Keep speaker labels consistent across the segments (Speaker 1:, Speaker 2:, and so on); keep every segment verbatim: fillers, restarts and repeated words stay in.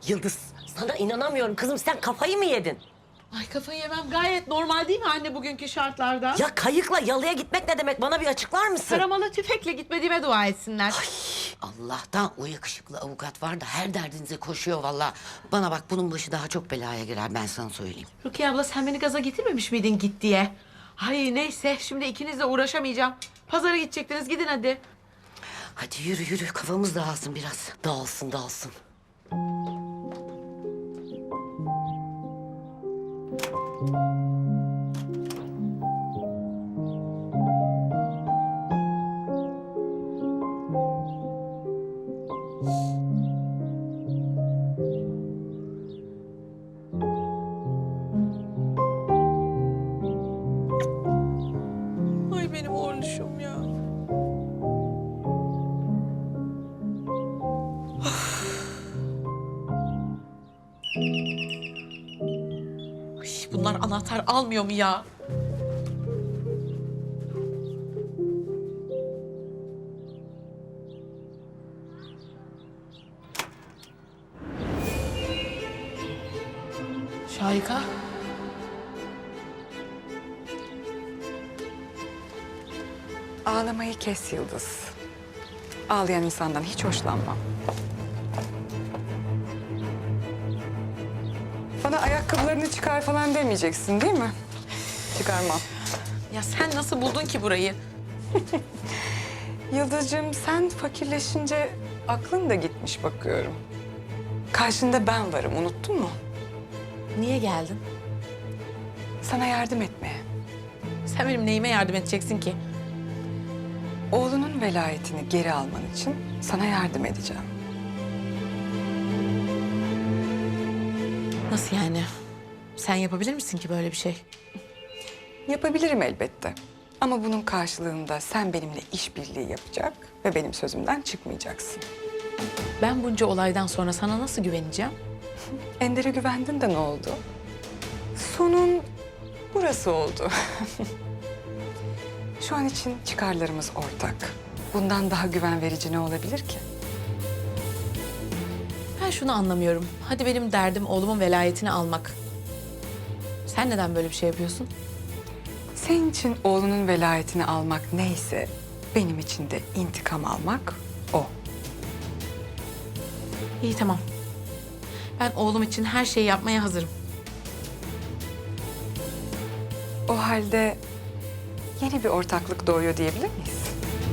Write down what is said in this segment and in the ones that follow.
Speaker 1: Yıldız, sana inanamıyorum kızım. Sen kafayı mı yedin?
Speaker 2: Ay kafayı yemem gayet normal değil mi anne bugünkü şartlarda?
Speaker 1: Ya kayıkla yalıya gitmek ne demek? Bana bir açıklar mısın?
Speaker 2: Taramalı tüfekle gitmediğime dua etsinler.
Speaker 3: Allah'tan o yakışıklı avukat var da her derdinize koşuyor vallahi. Bana bak bunun başı daha çok belaya girer ben sana söyleyeyim.
Speaker 2: Rukiye abla sen beni gaza getirmemiş miydin git diye? Ay neyse şimdi ikinizle uğraşamayacağım. Pazara gidecektiniz gidin hadi.
Speaker 3: Hadi yürü yürü kafamız dağılsın biraz.
Speaker 1: Dağılsın, dağılsın.
Speaker 2: Ay benim oğluşum ya. Ay, bunlar anahtar almıyor mu ya? Şahika.
Speaker 4: Ağlamayı kes Yıldız. Ağlayan insandan hiç hoşlanmam. Bana ayakkabılarını çıkar falan demeyeceksin değil mi? Çıkarmam.
Speaker 2: Ya sen nasıl buldun ki burayı?
Speaker 4: Yıldızcığım sen fakirleşince aklın da gitmiş bakıyorum. Karşında ben varım unuttun mu?
Speaker 2: Niye geldin?
Speaker 4: Sana yardım etmeye.
Speaker 2: Sen benim neyime yardım edeceksin ki?
Speaker 4: Oğlunun velayetini geri alman için sana yardım edeceğim.
Speaker 2: Nasıl yani? Sen yapabilir misin ki böyle bir şey?
Speaker 4: Yapabilirim elbette. Ama bunun karşılığında sen benimle işbirliği yapacak ve benim sözümden çıkmayacaksın.
Speaker 2: Ben bunca olaydan sonra sana nasıl güveneceğim?
Speaker 4: Ender'e güvendin de ne oldu? Sonun burası oldu. Şu an için çıkarlarımız ortak. Bundan daha güven verici ne olabilir ki?
Speaker 2: Ben şunu anlamıyorum. Hadi benim derdim oğlumun velayetini almak. Sen neden böyle bir şey yapıyorsun?
Speaker 4: Senin için oğlunun velayetini almak neyse, benim için de intikam almak o.
Speaker 2: İyi tamam. Ben oğlum için her şeyi yapmaya hazırım.
Speaker 4: O halde yeni bir ortaklık doğuyor diyebilir miyiz?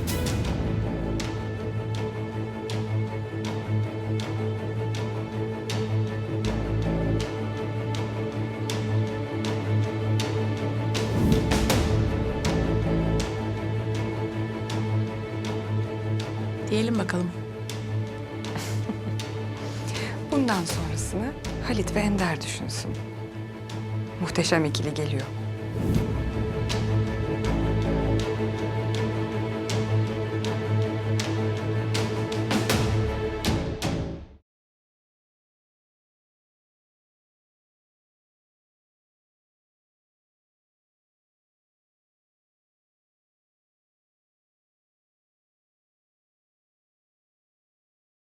Speaker 2: Diyelim bakalım.
Speaker 4: Bundan sonrasını Halit ve Ender düşünsün. Muhteşem ikili geliyor.